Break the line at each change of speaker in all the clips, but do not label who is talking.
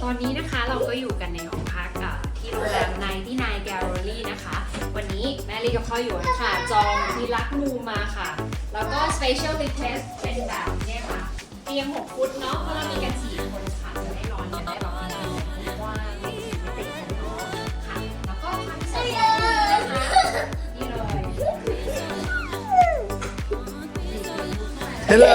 อนนี้นะคะเราก็อยู่กันในห้องพักที่โรงแรม99 Gallery นะคะ วันนี้แม่ลีกับพ่ออยู่ค่ะจองมีลักมูมาค่ะ แล้วก็ Special Request เป็นแบบเนี่ยค่ะเตียง6 ฟุตเนาะเพราะเรามีกัน4 คนค่ะจะได้นอนกันได้แบบกว้างไม่ติดกันเนาะค่ะแล้วก็ความพิเศษนะคะนี่เลย
ฮัลโหล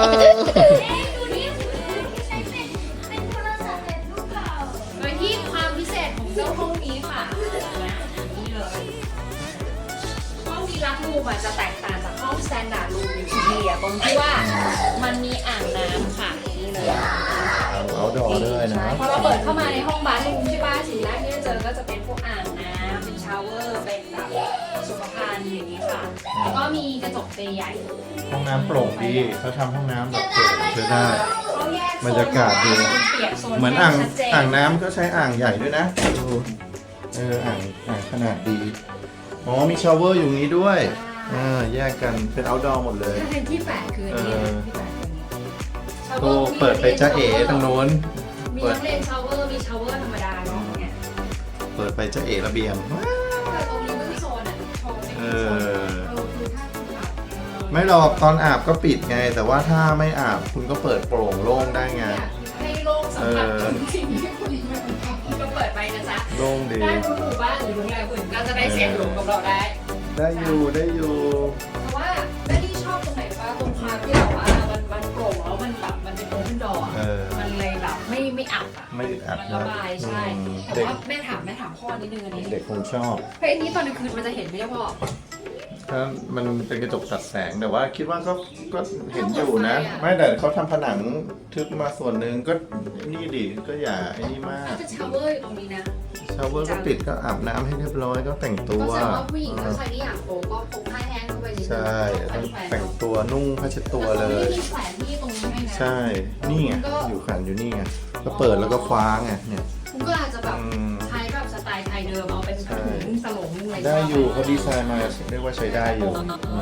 โดยที่ความพิเศษของเจ้าห้องนี้ค่ะนี่เลยห้องดีลักซ์รูมจะแตกต่างจากห้อง Standard Room อยู่ที่ดีตรงที่ว่ามันมีอ่างน้ำค่ะนี่เลย
เอาดอด้วยนะ
พอเราเปิดเข้ามาในห้องบาร์รูมใช่ป่ะสิ่งแรกที่จะเจอก็จะเป็นพวกอ่างน้ำเป็นชาวเวอร์เป็นแบบสุขภัณฑ์อย่างนี้ค่ะแล้วก็มีกระจกใหญ่
ห้องน้ำโปร่งดีเขาทำห้องน้ำแบบโปร่งใช้ได้
เขาแยกโซน
บรรยากาศดี
เปียกโซน
เหมือน
แยกชัดเจน
อ่างน้ำก็ใช้อ่างใหญ่ด้วยนะดูอ่างขนาดดีอ๋อมีชาวเวอร์อยู่นี้ด้วยแยกกันเป็นเอาท์ดอร์หมดเลย
ถ้าเป็นที่แปดคืออันนี้ที่แปดคืออันนี้
โตเปิดไปจ้าเอ๋ตรงโน้น
มีทั้งเลนชาวเวอร์มีชาวเวอร์ธรรมดาเนาะเนี่ย
เปิดไปจ้าเอ๋ระเบียง
แต่ตรงนี้ก็คือโซนโชว์เป็นโซนคือถ้าคุณแบบ
ไม่หรอกตอนอาบก็ปิดไง แต่ว่าถ้าไม่อาบคุณก็เปิดโปร่งโล่งได้ไง
ให้โลกสัมผัสถึงสิ่งที่คุณก็เปิดไปนะจ๊ะ
โล่งดี
ได้ทุกหมู่บ้านหรือโรงแรมอื่นก็จะได้เสียงหลงกับเราได้
ได้อยู่
เพราะว่าไม่ได้ชอบตรงไหนว่าตรงความที่แบบว่ามันโปร่งแล้วมันแบบมันเป็นโอเพนดอร์มันเลยแบบไม่อับอ่ะ
ไม่อึดอัด
มัน
นะ
ระบายใช่แต่
เด็ก
ว่าแม่ถามพ่อนิดนึงอันนี้
เด็กคงชอบ
เฮ้ยอันนี้ตอนกลางคืนมันจะเห็นไหมเนี่ยพ่อ
ถ้ามันเป็นกระจกตัดแสงแต่ว่าคิดว่าก็เห็นอยู่นะ ไม่แต่เขาทำผนังทึบมาส่วนหนึ่งก็นี่ดิก็อย่าไอ้นี่มาก
ถ้าจะชาวเวอร์อยู่ตรงนี้นะ
ชาวเวอร์ก็ปิดก็อาบน้ำให้เรียบร้อยก็แต่งตั
ก็
ว
แสดงว่าผู้หญิงถ้าใครที่อยากโป๊ก็พกผ้าแห้งเข้าไปนิดนึง
ใช่ต้องแต่งตัวนุ่งผ้าเช็ดตัวเลย
มีแขวนที่ตรงนี้ให้นะ
ใช่นี่ไงอยู่ขันอยู่นี่ไงก็เปิดแล้วก็คว้าไงเนี่ย
คุณก็อาจจะแบบ
อืม
ใช้แบบสไตล์ไทยเดิมเอาเป็นถุงสลงอะไร
ได้อยู่เขาดีไซน์มาเรียกว่าใช้ได้อยู่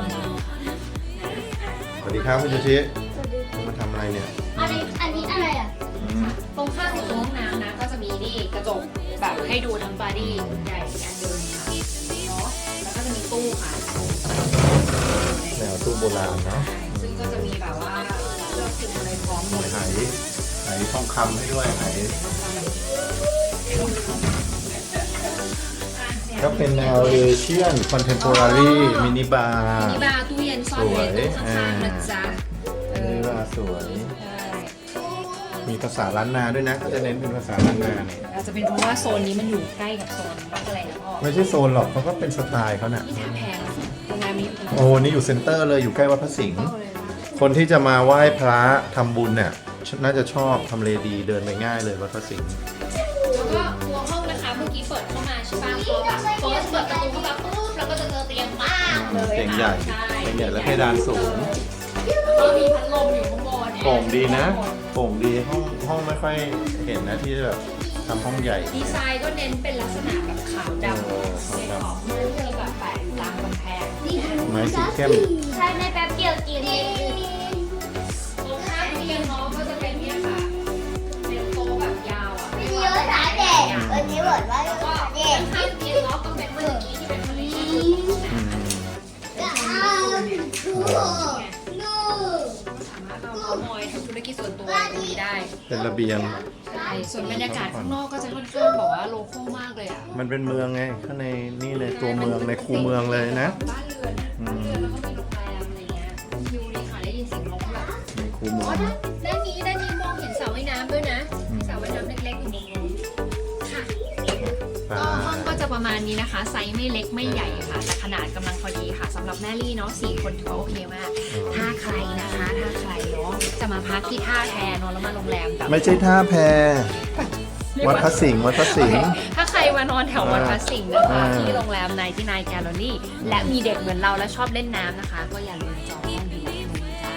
สวัสดีครับคุณโยชิมาทำอะไรเนี่ย
อันนี้อะไรอ่ะ
อืม
ตรงข้างของห้องน้ำนะก็จะมีนี่กระจกแบบให้ดูทั้งบอดี้ใหญ่อีกอันเดิมค่ะเนาะแล้วก็จะมีตู้ค่ะ
แนวตู้โบราณเนาะ
ซึ่งก็จะมีแบบว่าเครื่องปรุงอะไรพร้อมหมด
ไหทองคำให้ด้วยไหก็เป็นแนวเอเชียนคอนเทมโพรารีมินิบาร์
มีบาร์ตู้เย็นซ่อนไว้ตู้ข้างๆนะจ๊ะ
มินิบาร์สวย
ใช่
มีภาษาล้านนาด้วยนะก็จะเน้นเป็นภาษาล้านนาเนี่ย
อาจจะเป็นเพราะว่าโซนนี้มันอยู่ใกล้กับโซนวัดอะไรนะพ่อ
ไม่ใช่โซนหรอกเขาก็เป็นสไตล์เขาน่ะ
ที่ท่าแพโรงแรมนี้
โอ้นี่อยู่เซ็นเตอร์เลยอยู่ใกล้วัดพระสิงห์
เข้าเลยนะ
คนที่จะมาไหว้พระทำบุญเนี่ยน่าจะชอบทำเลดีเดินไปง่ายเลยวัดพระสิงห์
แล้วก็ตัวห้องนะคะเมื่อกี้เปิดเข้ามาใช่ป่ะพอแบบเฟิร์สเปิดประตูเข้ามาปุ๊บแล้วก็จะเจอเตียงมากเลย
เตียงใหญ่
ค่ะ
เตียงใหญ่และเพดานสูง
แล้วก็มีพัดลมอยู่ข้างบน
โปร่งดีนะโปร่งดีห้องไม่ค่อยเห็นนะที่แบบทำห้องใหญ่
ดีไซน์ก็เน้นเป็นลักษณะแบบขาวดำ
ขาวดำ
ขอบมือเธอแบบแปะอยู่ตามกำแพง
ไม้สีเข้ม
ใช่ในแป๊บเดียวกิน
ตรงข้ามเตียงน้องก็จะเป็นเนี่ยค่ะเป็นโต๊ะแบบยาวอ่ะ
วันนี้ภาษาเด็กวันนี้บอกว่า
แล้วก็
ภาษาเด็ก
ข้างเตียงน้องก็เป็นเมื่อกี้ที่เป็นคนที่
อืม
สามารถเราเมาท์มอยทำธุรกิจส่วนตัวตรงนี้ได้
เป็นระเบียง
ใช่ส่วนบรรยากาศข้างนอกก็จะค่อนข้างแบบว่าโลคอลมากเลยอ่ะ
มันเป็นเมืองไงข้างในนี่เลยตัวเมืองในคูเมืองเลยนะ
บ้านเรือนอ่ะบ้านเรือนแล้วก็มีโรงแรมอะไรเงี้ยวิวดีค่ะได้ยินเสียงนกแบบ
ในคูเมือง
ด้านนี้มองเห็นสระว่ายน้ำด้วยนะสระว่ายน้ำเล็กๆอยู่ตรงนู้นค่ะก็ห้องก็จะประมาณนี้นะคะ ไซส์ไม่เล็กไม่ใหญ่ค่ะแต่ขนาดกำลังพอดีค่ะสำหรับแม่ลี่เนาะ4 คนถือว่าโอเคมาก ถ้าใครเนาะจะมาพักที่ท่าแพนอนแล้วมาโรงแรมแบบ
ไม่ใช่ท่าแพวัดพระสิงห์วัดพระสิงห์
ถ้าใครมานอนแถววัดพระสิงห์นะคะ
อ่า
ที่โรงแรม99 Gallery และมีเด็กเหมือนเราและชอบเล่นน้ำนะคะ ก็อย่าลืมจองห้องดีจ้า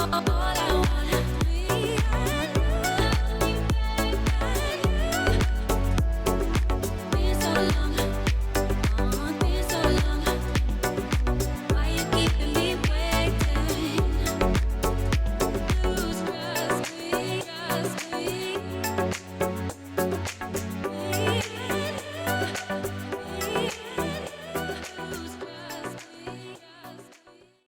all I